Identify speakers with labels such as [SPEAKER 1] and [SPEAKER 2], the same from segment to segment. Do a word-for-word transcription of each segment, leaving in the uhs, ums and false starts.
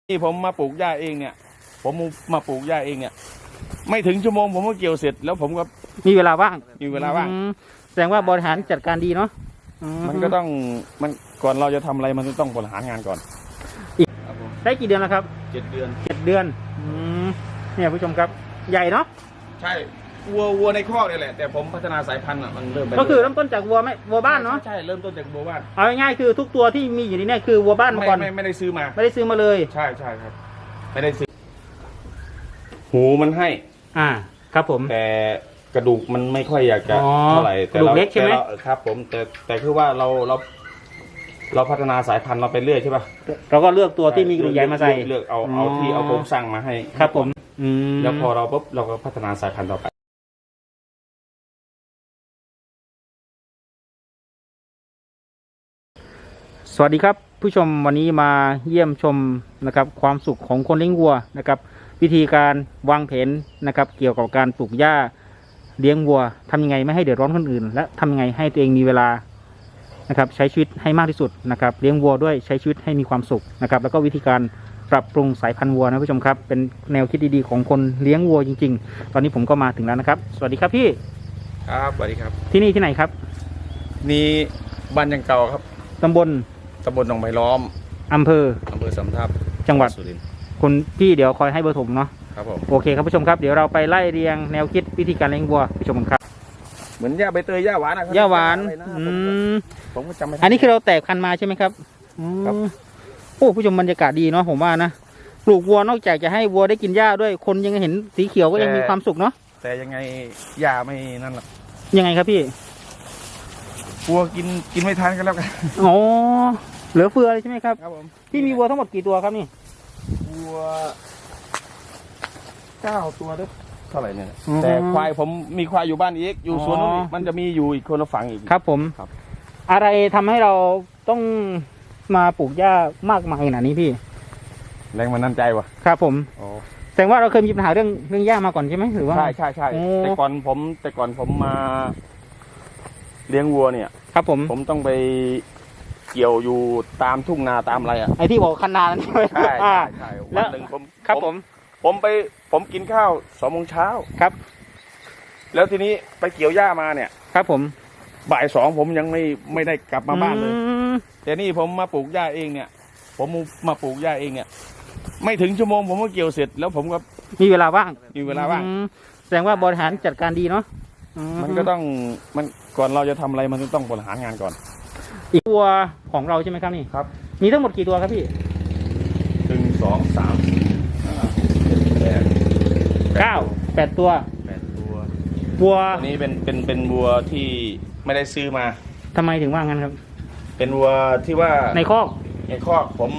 [SPEAKER 1] ที่ผมมาปลูกหญ้าเองเนี่ยผมมาปลูกหญ้าเองเนี่ยไม่ถึงชั่วโมงผมก็เกี่ยวเสร็จแล้วผมก็
[SPEAKER 2] มีเวลาว่าง
[SPEAKER 1] มีเวลาว่าง
[SPEAKER 2] แสดงว่าบริหารจัดการดีเนาะ
[SPEAKER 1] มันก็ต้องมันก่อนเราจะทำอะไรมันต้องบริหารงานก่อน
[SPEAKER 2] ได้กี่เดือนแล้วครับ
[SPEAKER 1] เจ็ดเดือน
[SPEAKER 2] เจ็ดเดือนเนี่ยผู้ชมครับใหญ่เนาะ
[SPEAKER 1] ใช่วัววัวในคอกนี่แหละแต่ผมพัฒนาสายพันธุ์อ่ะมันเริ่ม
[SPEAKER 2] ก็คือเริ่มต้นจากวัวไม่วัวบ้านเนาะ
[SPEAKER 1] ใช่เริ่มต้นจากวัวบ้าน
[SPEAKER 2] เอาง่ายๆคือทุกตัวที่มีอยู่ในนี้คือวัวบ้านมาก่อน
[SPEAKER 1] ไม่ไม่ได้ซื้อมา
[SPEAKER 2] ไม่ได้ซื้อมาเลย
[SPEAKER 1] ใช่ใช่ครับไม่ได้ซื้อหูมันให้
[SPEAKER 2] อ่าครับผม
[SPEAKER 1] แต่กระดูกมันไม่ค่อยอยากจะเท่าไหร่
[SPEAKER 2] กระดูกเล็กใช่ไหม
[SPEAKER 1] ครับผมแต่แต่คือว่าเราเราเราพัฒนาสายพันธุ์เราไปเรื่อยใช่ป่ะ
[SPEAKER 2] เราก็เลือกตัวที่มีกระดูกใหญ่มาใส่
[SPEAKER 1] เลือกเอาเอาที่เอาโครงสร้างมาให้
[SPEAKER 2] ครับผม
[SPEAKER 1] แล้วพอเราปุ๊บเราก็พัฒนาสายพันธุ์ต่อไป
[SPEAKER 2] สวัสดีครับผู้ชมวันนี้มาเยี่ยมชมนะครับความสุขของคนเลี้ยงวัวนะครับวิธีการวางแผนนะครับเกี่ยวกับการปลูกหญ้าเลี้ยงวัวทำยังไงไม่ให้เดือดร้อนคนอื่นและทำยังไงให้ตัวเองมีเวลานะครับใช้ชีวิตให้มากที่สุดนะครับเลี้ยงวัวด้วยใช้ชีวิตให้มีความสุขนะครับแล้วก็วิธีการปรับปรุงสายพันธุ์วัวนะผู้ชมครับเป็นแนวคิดดีๆของคนเลี้ยงวัวจริงๆตอนนี้ผมก็มาถึงแล้วนะครับสวัสดีครับพี่
[SPEAKER 1] ครับสวัสดีครับ
[SPEAKER 2] ที่นี่ที่ไหนครับ
[SPEAKER 1] นี่บ้านยังเก่าครับ
[SPEAKER 2] ตำบล
[SPEAKER 1] ตำบลหนองไผ่ล้อม
[SPEAKER 2] อำเภอ
[SPEAKER 1] อำเภอสำทับ
[SPEAKER 2] จังหวัด
[SPEAKER 1] สุรินทร์
[SPEAKER 2] คุณพี่เดี๋ยวคอยให้เบอร์ผมเนาะ
[SPEAKER 1] ครับผม
[SPEAKER 2] โอเคครับผู้ชมครับเดี๋ยวเราไปไล่เรียงแนวคิดวิธีการเลี้ยงวัวผู้ชมครับ
[SPEAKER 1] เหมือนหญ้าใบเตยหญ้าหวานนะครับ
[SPEAKER 2] หญ้าหวานอืม
[SPEAKER 1] ผมก็จำไม่ได้
[SPEAKER 2] อันนี้คือเราแตกพันธุ์มาใช่ไหมครับครับโอ้ผู้ชมบรรยากาศดีเนาะผมว่านะปลูกวัวนอกจากจะให้วัวได้กินหญ้าด้วยคนยังเห็นสีเขียวก็ยังมีความสุขเนาะ
[SPEAKER 1] แต่ยังไงหญ้าไม่นั่นหรอก
[SPEAKER 2] ยังไงครับพี่
[SPEAKER 1] วัวกินกินไม่ทันกันแล้วกัน
[SPEAKER 2] อ๋อเหลือเฟือเลยใช่ไหมครับ
[SPEAKER 1] ครับผม
[SPEAKER 2] พี่มีวัวทั้งหมดกี่ตัวครับนี่
[SPEAKER 1] วัวเก้าตัวด้วยเท่าไหร่เนี่ยแต่ควายผมมีควายอยู่บ้านอีกอยู่สวนนู้นมันจะมีอยู่อีกคนละฝั่งอีก
[SPEAKER 2] ครับผมครับอะไรทำให้เราต้องมาปลูกหญ้ามากมายขนาดนี้พี่
[SPEAKER 1] แรงมันนั่นใจวะ
[SPEAKER 2] ครับผมแสดงว่าเราเคยมีปัญหาเรื่องเรื่องหญ้ามาก่อนใช่ไหมหรือว่า
[SPEAKER 1] ใช่ใช่ใช่แต่ก่อนผมแต่ก่อนผมมาเลี้ยงวัวเนี่ย
[SPEAKER 2] ครับผม
[SPEAKER 1] ผมต้องไปเกี่ยวอยู่ตามทุ่งนาตามอะไรอ่ะ
[SPEAKER 2] ไอ้ที่บอกคันนานั่นใช่ไหม
[SPEAKER 1] ใช่ใช่ใช่วันหนึ่งผม
[SPEAKER 2] ครับผม
[SPEAKER 1] ผมไปผมกินข้าวสองโมงเช้า
[SPEAKER 2] ครับ
[SPEAKER 1] แล้วทีนี้ไปเกี่ยวหญ้ามาเนี่ย
[SPEAKER 2] ครับผม
[SPEAKER 1] บ่ายสองผมยังไม่ไม่ได้กลับมาบ้านเลยแต่นี่ผมมาปลูกหญ้าเองเนี่ยผมมาปลูกหญ้าเองเนี่ยไม่ถึงชั่วโมงผมก็เกี่ยวเสร็จแล้วผมก็
[SPEAKER 2] มีเวลาว่าง
[SPEAKER 1] มีเวลาว่าง
[SPEAKER 2] แสดงว่าบริหารจัดการดีเนาะ
[SPEAKER 1] มันก็ต้องมันก่อนเราจะทำอะไรมันต้องบริหารงานก่อน
[SPEAKER 2] อีกตัวของเราใช่ไหมครับนี่
[SPEAKER 1] ครับ
[SPEAKER 2] มีทั้งหมดกี่ตัวครับพี่
[SPEAKER 1] หนึ่งสองสามสี่ห้าแปด
[SPEAKER 2] เก้าแปดตัว
[SPEAKER 1] แปดตัว
[SPEAKER 2] วัว
[SPEAKER 1] อันนี้เป็นเป็นเป็นวัวที่ไม่ได้ซื้อมา
[SPEAKER 2] ทำไมถึงว่างั้นครับ
[SPEAKER 1] เป็นวัวที่ว่า
[SPEAKER 2] ในคอก
[SPEAKER 1] ในคอกผม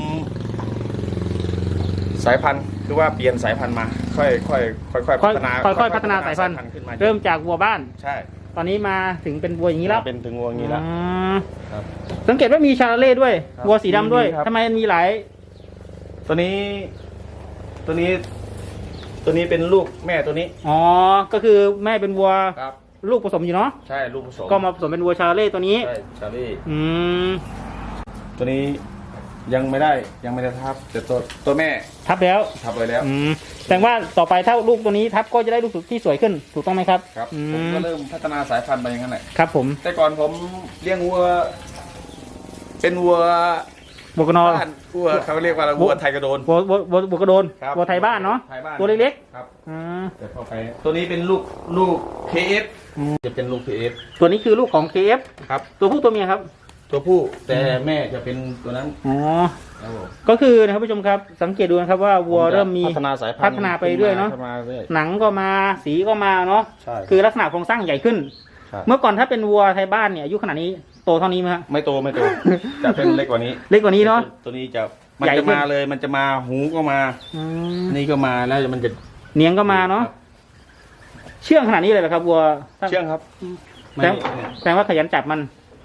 [SPEAKER 1] สายพันธุ์คือว่าเปลี่ยนสายพันธุ์มาค่อยค่อยค่อยค่อยพัฒนา
[SPEAKER 2] ค่อยๆพัฒนาสายพันธุ์ขึ้นมาเริ่มจากวัวบ้าน
[SPEAKER 1] ใช่
[SPEAKER 2] ตอนนี้มาถึงเป็นวัวอย่างนี้แล้ว
[SPEAKER 1] เป็นถึงวัวอย่างนี้แล้ว
[SPEAKER 2] ครับสังเกตว่ามีชาเล่ด้วยวัวสีดำด้วยทำไมมีหลาย
[SPEAKER 1] ตัวนี้ตัวนี้ตัวนี้เป็นลูกแม่ตัวนี้
[SPEAKER 2] อ๋อก็คือแม่เป็นวัว
[SPEAKER 1] ครับ
[SPEAKER 2] ลูกผสมอยู่เนาะ
[SPEAKER 1] ใช่ลูกผสม
[SPEAKER 2] ก็มาผสมเป็นวัวชาเล่ตัวนี้
[SPEAKER 1] ใช่ชาเล่
[SPEAKER 2] อืม
[SPEAKER 1] ตัวนี้ยังไม่ได้ยังไม่ได้ทับแต่ตัวตัวแม่
[SPEAKER 2] ทับแล้ว
[SPEAKER 1] ทับไปแล้ว
[SPEAKER 2] อืมแสดงว่าต่อไปถ้าลูกตัวนี้ทับก็จะได้ลูกที่สวยขึ้นถูกต้องไหมครับ
[SPEAKER 1] ครับผมก็เริ่มพัฒนาสายพันธุ์ไปอย่างนั้นแหละ
[SPEAKER 2] ครับผม
[SPEAKER 1] แต่ก่อนผมเลี้ยงวัวเป็นวัว
[SPEAKER 2] วัวกระนอน
[SPEAKER 1] วัวเขาเรียกว่าวัวไทยกระโดน
[SPEAKER 2] วัววัววัวกระโดนวัวไทยบ้านเนาะตัวเล็ก
[SPEAKER 1] ๆครับแต่พอไปตัวนี้เป็นลูกลูก เค เอฟ จะเป็นลูก เค เอฟ
[SPEAKER 2] ตัวนี้คือลูกของ เค เอฟ
[SPEAKER 1] ครับ
[SPEAKER 2] ตัวผู้ตัวเมียครับ
[SPEAKER 1] ตัวผู้แต่แม่จะเป็นตัวนั้น
[SPEAKER 2] อ๋อก็คือนะครับผู้ชมครับสังเกตดูนะครับว่าวัวเริ่มมี
[SPEAKER 1] พัฒนาสายพันธุ์
[SPEAKER 2] พัฒนาไปเรื่อยเนาะหนังก็มาสีก็มาเนาะคือลักษณะโครงสร้างใหญ่ขึ้นเมื่อก่อนถ้าเป็นวัวไทยบ้านเนี่ยอายุขนาดนี้โตเท่านี้ไหมฮะ
[SPEAKER 1] ไม่โตไม่โตจะเป็นเล็กกว่านี้
[SPEAKER 2] เล็กกว่านี้เนาะ
[SPEAKER 1] ตัวนี้จะมันจะมาเลยมันจะมาหูก็มานี่ก็มาแล้วมันจะ
[SPEAKER 2] เนียงก็มาเนาะเชื่องขนาดนี้เลยเหรอครับวัว
[SPEAKER 1] เชื่องครับ
[SPEAKER 2] แสดงว่าขยันจับมัน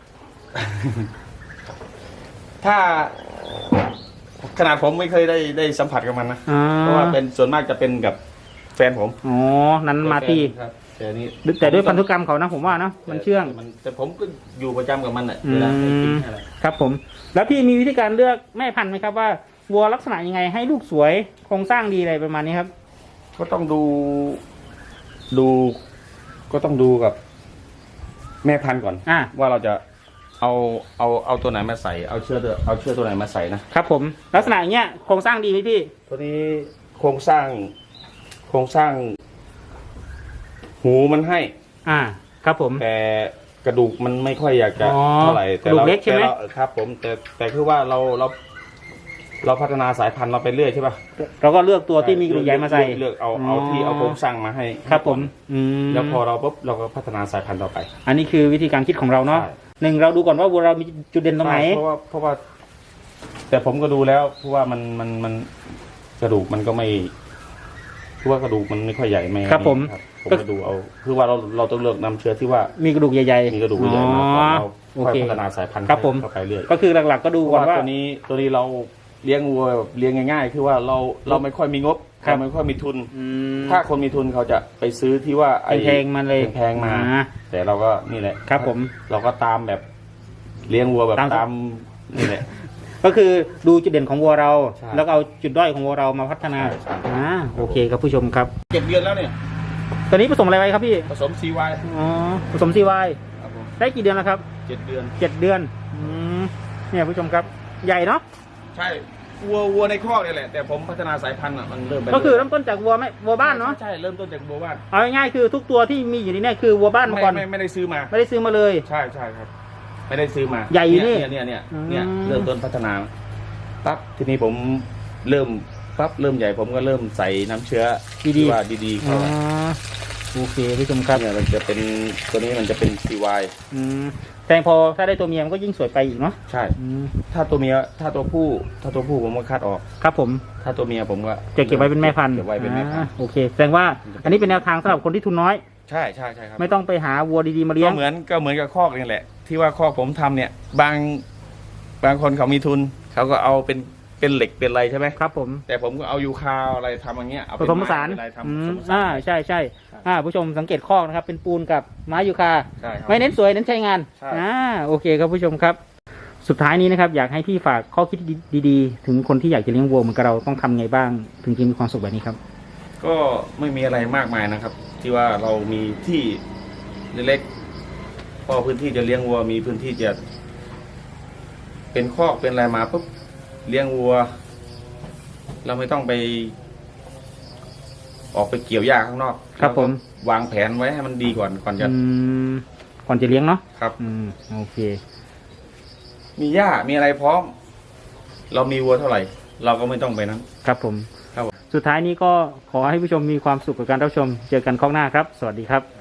[SPEAKER 1] ถ้าขนาดผมไม่เคยได้ได้สัมผัสกับมันนะเพราะว่าเป็นส่วนมากจะเป็นกับแฟนผม
[SPEAKER 2] อ๋อนั้นมาที่
[SPEAKER 1] แต่นี้
[SPEAKER 2] แต่ด้วยพันธุกรรมเขานะผมว่านะมันเชื่อง
[SPEAKER 1] แต่ผมก็อยู่ประจำกับมันแหละเวลาไปกินอะไร
[SPEAKER 2] ครับผมแล้วพี่มีวิธีการเลือกแม่พันธุ์ไหมครับว่าวัวลักษณะยังไงให้ลูกสวยโครงสร้างดีอะไรประมาณนี้ครับ
[SPEAKER 1] ก็ต้องดูดู ก็ต้องดูกับแม่พันธุ์ก่อน
[SPEAKER 2] อ่า
[SPEAKER 1] ว่าเราจะเอาเอาเอาตัวไหนมาใส่เอาเชือกตัวเอาเชือกตัวไหนมาใส่นะครับ
[SPEAKER 2] ผมลักษณะอย่างเงี้ยโครงสร้างดีไหมพี่
[SPEAKER 1] ตัวนี้โครงสร้าง โครงสร้าง หูมันให้
[SPEAKER 2] อ่า ครับผม
[SPEAKER 1] แต่กระดูกมันไม่ค่อยอยากจะ
[SPEAKER 2] อ๋อ
[SPEAKER 1] เท่าไหร่แต่
[SPEAKER 2] กระดูก
[SPEAKER 1] เรา
[SPEAKER 2] เล็กใช่ไหม
[SPEAKER 1] แต่ราครับ ผมแต่แต่คือว่าเราเรา เราพัฒนาสายพันธุ์เราไปเรื่อยใช่ป่ะ
[SPEAKER 2] เราก็เลือกตัวที่มีกระดูกใหญ่มาใส่
[SPEAKER 1] เลือกเลือกเอาเอาที่เอาโครงสร้างมาให้
[SPEAKER 2] ครับผมอืม
[SPEAKER 1] แล้วพอเราปุ๊บเราก็พัฒนาสายพันธุ์ต่อไป
[SPEAKER 2] อันนี้คือวิธีการคิดของเราเนาะ
[SPEAKER 1] ใช่
[SPEAKER 2] หนึ่งเราดูก่อนว่าวัวเรามีจุดเด่นตรงไหน
[SPEAKER 1] ใช่เพราะว่าเพราะว่า แต่ผมก็ดูแล้วเพราะว่ามันมันมันกระดูกมันก็ไม่เพราะว่ากระดูกมันไม่ค่อยใหญ่ไม่
[SPEAKER 2] ครับผม
[SPEAKER 1] ผมก็ดูเอาคือว่าเราเราต้องเลือกนำเชื้อที่ว่า
[SPEAKER 2] มีกระดูกใหญ่ๆ
[SPEAKER 1] มีกระดูกใหญ่มาก่อนเรา
[SPEAKER 2] โอ
[SPEAKER 1] ค่อย
[SPEAKER 2] เค
[SPEAKER 1] พัฒนาสายพันธุ์
[SPEAKER 2] ครับผม
[SPEAKER 1] เข้าไปเรื่อย
[SPEAKER 2] ก็คือหลักๆก็ดู
[SPEAKER 1] เพราะ
[SPEAKER 2] ก่อน
[SPEAKER 1] ว่า
[SPEAKER 2] ว่า
[SPEAKER 1] ตัวนี้ตัวนี้เราเลี้ยงวัวแบบเลี้ยงง่ายๆ คือว่าเราเราไม่ค่อยมีงบ
[SPEAKER 2] ครับ
[SPEAKER 1] เราไม่ค่อยมีทุน
[SPEAKER 2] อืม
[SPEAKER 1] ถ้าคนมีทุนเขาจะไปซื้อที่ว่าไอ้
[SPEAKER 2] แพงๆมาเลย
[SPEAKER 1] แพงๆมา
[SPEAKER 2] อ่า
[SPEAKER 1] แต่เราก็นี่แหละ
[SPEAKER 2] ครับผม
[SPEAKER 1] เราก็ตามแบบเลี้ยงวัวแบบ
[SPEAKER 2] ตาม
[SPEAKER 1] ตามนี่แหละ
[SPEAKER 2] ก็คือดูจุดเด่นของวัวเรา
[SPEAKER 1] ใช่
[SPEAKER 2] แล้วก็เอาจุดด้อยของวัวเรามาพัฒนา
[SPEAKER 1] ใช่ใช่
[SPEAKER 2] อ่าโอเคครับผู้ชมครับ
[SPEAKER 1] เจ็ดเดือนแล้วเนี่ย
[SPEAKER 2] ตอนนี้ผสมอะไรไว้ครับพี่
[SPEAKER 1] ผสมซีวาย
[SPEAKER 2] อ๋อผสมซีวาย
[SPEAKER 1] ครับผม
[SPEAKER 2] ได้กี่เดือนแล้วครับ
[SPEAKER 1] เจ็ดเดือน
[SPEAKER 2] เจ็ดเดือนอืมเนี่ยผู้ชมครับใหญ่เนาะ
[SPEAKER 1] ใช่วัววัวในคอกนี่แหละ แต่ผมพัฒนาสายพันธุ์อ่ะมันเริ่มไป
[SPEAKER 2] ก็คือเริ่มต้นจากวัวไม่วัวบ้านเนาะ
[SPEAKER 1] ใช่เริ่มต้นจากวัวบ้าน
[SPEAKER 2] เอาง่ายๆคือทุกตัวที่มีอยู่ในเนี่ยคือวัวบ้านมา
[SPEAKER 1] ไม่
[SPEAKER 2] ก่อน
[SPEAKER 1] ไม่ไม่ได้ซื้อมา
[SPEAKER 2] ไม่ได้ซื้อมาเลย
[SPEAKER 1] ใช่ใช่ครับ ไม่ได้ซื้อมา
[SPEAKER 2] ใหญ่อยู่นี่
[SPEAKER 1] เนี่ยเนี่ยเนี่ย
[SPEAKER 2] อืม
[SPEAKER 1] เนี่ยเริ่มต้นพัฒนาปั๊บทีนี้ผมเริ่มปั๊บเริ่มใหญ่ผมก็เริ่มใส่น้ำเชื้อ
[SPEAKER 2] ดีๆ
[SPEAKER 1] ที่ว่าดีๆ
[SPEAKER 2] อ๋
[SPEAKER 1] เข้า
[SPEAKER 2] อ
[SPEAKER 1] ไป
[SPEAKER 2] โอเคผู้ชมครับ
[SPEAKER 1] เนี่ยมันจะเป็นตัวนี้มันจะเป็นซีวาย
[SPEAKER 2] อืมแต่พอถ้าได้ตัวเมียมันก็ยิ่งสวยไปอีกเนาะ
[SPEAKER 1] ใช่
[SPEAKER 2] อืม
[SPEAKER 1] ถ้าตัวเมียถ้าตัวผู้ถ้าตัวผู้ผมก็คัดออก
[SPEAKER 2] ครับผม
[SPEAKER 1] ถ้าตัวเมียผมก็
[SPEAKER 2] จะเก็บไว้เป็นแม่พันธุ์
[SPEAKER 1] เก็บไว้เป็นแม่พัน
[SPEAKER 2] อ่า
[SPEAKER 1] ธุ์
[SPEAKER 2] โอเคแสดงว่าอันนี้เป็นแนวทางสำหรับคนที่ทุนน้อย
[SPEAKER 1] ใช่ใช่ใช่ครับ
[SPEAKER 2] ไม่ต้องไปหาวัวดีๆมาเลี้ย
[SPEAKER 1] ก็
[SPEAKER 2] ง
[SPEAKER 1] เหมือนก็เหมือนกับคอกนี่แหละ ที่ว่าคอกผมทำเนี่ย บางบางคนเขามีทุน เขาก็เอาเป็นเป็นเหล็กเป็นอะไรใช่ไหม
[SPEAKER 2] ครับผม
[SPEAKER 1] แต่ผมก็เอายูคาอะไรทำอย่างเงี้ยเอา
[SPEAKER 2] ผ
[SPEAKER 1] เป็น
[SPEAKER 2] สมผสาน
[SPEAKER 1] ไอะไรทำ
[SPEAKER 2] อื
[SPEAKER 1] ผส
[SPEAKER 2] ม
[SPEAKER 1] มผสาน
[SPEAKER 2] อ่าใช่ใช่อ่าผู้ชมสังเกตข้อนะครับ เป็นปูนกับไม้ยูคา
[SPEAKER 1] ใช่ครับ
[SPEAKER 2] ไม่เน้นสวยเน้นใช้งาน
[SPEAKER 1] ใช่
[SPEAKER 2] อ่าโอเคครับผู้ชมครับ สุดท้ายนี้นะครับ อยากให้พี่ฝากข้อคิดดีๆ ถึงคนที่อยากจะเลี้ยงวัวเหมือนกับเราต้องทำไงบ้าง ถึงจะมีความสุขแบบนี้ครับ
[SPEAKER 1] ก็ไม่มีอะไรมากมายนะครับ ที่ว่าเรามีที่เล็กๆพอพื้นที่จะเลี้ยงวัวมีพื้นที่จะเป็นคอกเป็นอะไรมาปุ๊บเลี้ยงวัว เราไม่ต้องไป ออกไปเกี่ยวหญ้าข้างนอก
[SPEAKER 2] ครับผม
[SPEAKER 1] เาก็วางแผนไว้ให้มันดีก่อนก่อนจะ
[SPEAKER 2] อืมก่อนจะเลี้ยงเนาะ
[SPEAKER 1] ครับ
[SPEAKER 2] อืมโอเค
[SPEAKER 1] มีหญ้ามีอะไรพร้อม เรามีวัวเท่าไหร่ เราก็ไม่ต้องไปนั้น
[SPEAKER 2] ครับผม
[SPEAKER 1] ครับผม
[SPEAKER 2] สุดท้ายนี้ก็ขอให้ผู้ชมมีความสุขกับการรับชม เจอกันข้างหน้าครับ สวัสดีครับ